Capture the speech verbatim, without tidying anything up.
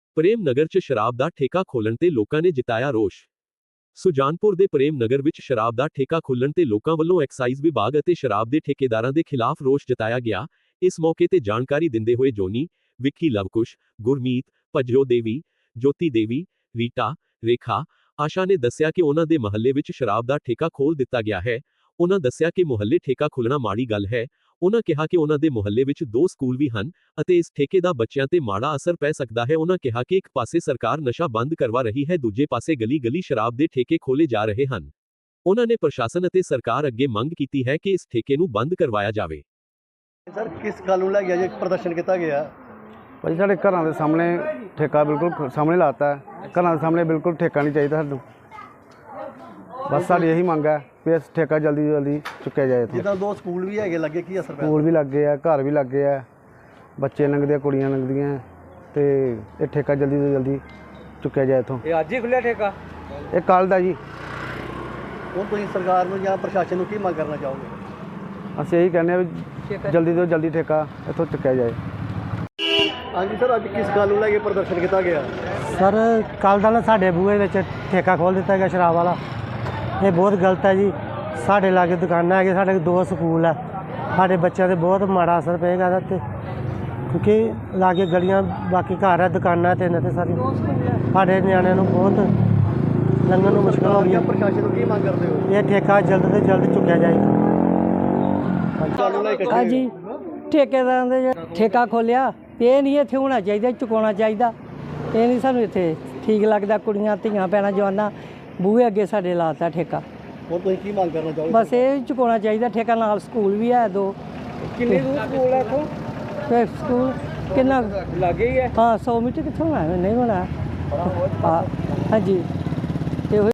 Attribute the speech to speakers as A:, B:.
A: ਪ੍ਰੇਮ ਨਗਰ 'ਚ ਸ਼ਰਾਬ ਦਾ ਠੇਕਾ ਖੋਲ੍ਹਣ ਤੇ ਲੋਕਾਂ ਨੇ ਜਿਤਾਇਆ ਰੋਸ਼। ਸੁਜਾਨਪੁਰ ਦੇ ਪ੍ਰੇਮ ਨਗਰ ਵਿੱਚ ਸ਼ਰਾਬ ਦਾ ਠੇਕਾ ਖੋਲ੍ਹਣ ਤੇ ਲੋਕਾਂ ਵੱਲੋਂ ਐਕਸਾਈਜ਼ ਵਿਭਾਗ ਅਤੇ ਸ਼ਰਾਬ ਦੇ ਠੇਕੇਦਾਰਾਂ ਦੇ ਖਿਲਾਫ ਰੋਸ਼ ਜਤਾਇਆ ਗਿਆ। ਇਸ ਮੌਕੇ ਤੇ ਜਾਣਕਾਰੀ ਦਿੰਦੇ ਹੋਏ ਜੋਨੀ, ਵਿੱਕੀ ਲਵਕੁਸ਼, ਗੁਰਮੀਤ, ਭਜਰੋ ਦੇਵੀ, ਜੋਤੀ ਦੇਵੀ, ਰੀਟਾ, ਰੇਖਾ, ਆਸ਼ਾ ਨੇ ਦੱਸਿਆ ਕਿ ਉਹਨਾਂ ਦੇ ਮਹੱਲੇ ਵਿੱਚ ਸ਼ਰਾਬ ਦਾ ਠੇਕਾ ਖੋਲ੍ਹ ਦਿੱਤਾ ਗਿਆ ਹੈ। ਉਹਨਾਂ ਦੱਸਿਆ ਕਿ ਮੁਹੱਲੇ ਠੇਕਾ ਖੁੱਲ੍ਹਣਾ ਮਾੜੀ ਗੱਲ ਹੈ। ਉਹਨਾਂ ਕਿਹਾ ਕਿ ਉਹਨਾਂ ਦੇ ਮੁਹੱਲੇ ਵਿੱਚ ਦੋ ਸਕੂਲ ਵੀ ਹਨ ਅਤੇ ਇਸ ਠੇਕੇ ਦਾ ਬੱਚਿਆਂ ਤੇ ਮਾੜਾ ਅਸਰ ਪੈ ਸਕਦਾ ਹੈ। ਉਹਨਾਂ ਕਿਹਾ ਕਿ ਇੱਕ ਪਾਸੇ ਸਰਕਾਰ ਨਸ਼ਾ ਬੰਦ ਕਰਵਾ ਰਹੀ ਹੈ, ਦੂਜੇ ਪਾਸੇ ਗਲੀ-ਗਲੀ ਸ਼ਰਾਬ ਦੇ ਠੇਕੇ ਖੋਲ੍ਹੇ ਜਾ ਰਹੇ ਹਨ। ਉਹਨਾਂ ਨੇ ਪ੍ਰਸ਼ਾਸਨ ਅਤੇ ਸਰਕਾਰ ਅੱਗੇ ਮੰਗ ਕੀਤੀ ਹੈ ਕਿ ਇਸ ਠੇਕੇ ਨੂੰ ਬੰਦ ਕਰਵਾਇਆ ਜਾਵੇ।
B: ਸਰ, ਕਿਸ ਗੱਲ ਨੂੰ ਲੈ ਕੇ ਅੱਜ ਪ੍ਰਦਰਸ਼ਨ ਕੀਤਾ ਗਿਆ?
C: ਭਾਜੀ ਸਾਡੇ ਘਰਾਂ ਦੇ ਸਾਹਮਣੇ ਠੇਕਾ ਬਿਲਕੁਲ ਸਾਹਮਣੇ ਲਾਤਾ ਹੈ। ਘਰਾਂ ਦੇ ਸਾਹਮਣੇ ਬਿਲਕੁਲ ਠੇਕਾ ਨਹੀਂ ਚਾਹੀਦਾ ਸਾਨੂੰ। ਬਸ ਸਾਡੀ ਇਹੀ ਮੰਗ ਹੈ ਵੀ ਇਸ ਠੇਕਾ ਜਲਦੀ ਤੋਂ ਜਲਦੀ ਚੁੱਕਿਆ ਜਾਏ।
B: ਜਿੱਦਾਂ ਦੋ ਸਕੂਲ ਵੀ ਹੈਗੇ ਲੱਗੇ, ਕੀ ਅਸਰ ਪਿਆ?
C: ਸਕੂਲ ਵੀ ਲੱਗੇ ਆ, ਘਰ ਵੀ ਲੱਗੇ ਆ, ਬੱਚੇ ਲੰਘਦੇ ਆ, ਕੁੜੀਆਂ ਲੰਘਦੀਆਂ ਤੇ ਇਹ ਠੇਕਾ ਜਲਦੀ ਤੋਂ ਜਲਦੀ ਚੁੱਕਿਆ ਜਾਏ ਇੱਥੋਂ।
D: ਇਹ ਅੱਜ ਹੀ ਖੁੱਲਿਆ ਠੇਕਾ?
C: ਇਹ ਕੱਲ੍ਹ ਦਾ ਜੀ।
B: ਹੁਣ ਤੁਸੀਂ ਸਰਕਾਰ ਨੂੰ ਜਾਂ ਪ੍ਰਸ਼ਾਸਨ ਨੂੰ ਕੀ ਮੰਗ ਕਰਨਾ ਚਾਹੋਗੇ?
C: ਅਸੀਂ ਇਹੀ ਕਹਿੰਦੇ ਆ ਵੀ ਜਲਦੀ ਤੋਂ ਜਲਦੀ ਠੇਕਾ ਇੱਥੋਂ ਚੁੱਕਿਆ ਜਾਏ।
B: ਹਾਂਜੀ ਸਰ, ਅੱਜ ਕਿਸ ਗੱਲ ਨੂੰ ਲੈ ਕੇ ਪ੍ਰਦਰਸ਼ਨ ਕੀਤਾ ਗਿਆ?
E: ਸਰ, ਕੱਲ੍ਹ ਦਾ ਨਾ ਸਾਡੇ ਬੂਹੇ ਵਿੱਚ ਠੇਕਾ ਖੋਲ੍ਹ ਦਿੱਤਾ ਗਿਆ ਸ਼ਰਾਬ ਵਾਲਾ। ਇਹ ਬਹੁਤ ਗਲਤ ਹੈ ਜੀ। ਸਾਡੇ ਲਾਗੇ ਦੁਕਾਨਾਂ ਹੈਗੀਆਂ, ਸਾਡੇ ਦੋ ਸਕੂਲ ਹੈ, ਸਾਡੇ ਬੱਚਿਆਂ 'ਤੇ ਬਹੁਤ ਮਾੜਾ ਅਸਰ ਪਏਗਾ ਇਹਦਾ 'ਤੇ, ਕਿਉਂਕਿ ਲਾਗੇ ਗਲੀਆਂ ਬਾਕੀ ਘਰ ਹੈ, ਦੁਕਾਨਾਂ ਤਿੰਨ ਤੇ ਸਾਰੀ ਸਾਡੇ ਨਿਆਣਿਆਂ ਨੂੰ ਬਹੁਤ ਲੰਘਣ ਨੂੰ ਮੁਸ਼ਕਲ ਹੋ ਗਈ ਹੈ।
B: ਪ੍ਰਸ਼ਾਸਨ ਨੂੰ ਕੀ ਮੰਗ ਕਰਦੇ ਹੋ?
E: ਇਹ ਠੇਕਾ ਜਲਦ ਤੋਂ ਜਲਦ ਚੁੱਕਿਆ ਜਾਏ।
F: ਹਾਂਜੀ, ਠੇਕੇਦਾਰਾਂ ਦੇ ਜਿਹੜਾ ਠੇਕਾ ਖੋਲ੍ਹਿਆ ਇਹ ਨਹੀਂ ਇੱਥੇ ਹੋਣਾ ਚਾਹੀਦਾ, ਚੁਕਾਉਣਾ ਚਾਹੀਦਾ। ਇਹ ਨਹੀਂ ਸਾਨੂੰ ਇੱਥੇ ਠੀਕ ਲੱਗਦਾ। ਕੁੜੀਆਂ ਧੀਆਂ ਭੈਣਾਂ ਜਵਾਨਾਂ ਬੂਹੇ ਅੱਗੇ ਸਾਡੇ ਲਾਤਾ ਠੇਕਾ।
B: ਹੋਰ ਤੁਸੀਂ ਕੀ ਮੰਗ ਕਰਨਾ ਚਾਹੋਗੇ?
F: ਬਸ ਇਹ ਚੁਕਾਉਣਾ ਚਾਹੀਦਾ ਠੇਕਾ। ਨਾਲ ਸਕੂਲ ਵੀ ਹੈ ਦੋ।
D: ਕਿੰਨੇ ਦੂਰ ਸਕੂਲ ਹੈ ਇੱਥੋਂ?
F: ਫਿਰ ਸਕੂਲ ਕਿੰਨਾ
D: ਲਾਗੇ ਹੀ ਹੈ?
F: ਹਾਂ, ਸੌ ਮੀਟਰ ਕਿੱਥੋਂ ਹੋਣਾ? ਨਹੀਂ ਹੋਣਾ। ਹਾਂ, ਹਾਂਜੀ। ਇਹੋ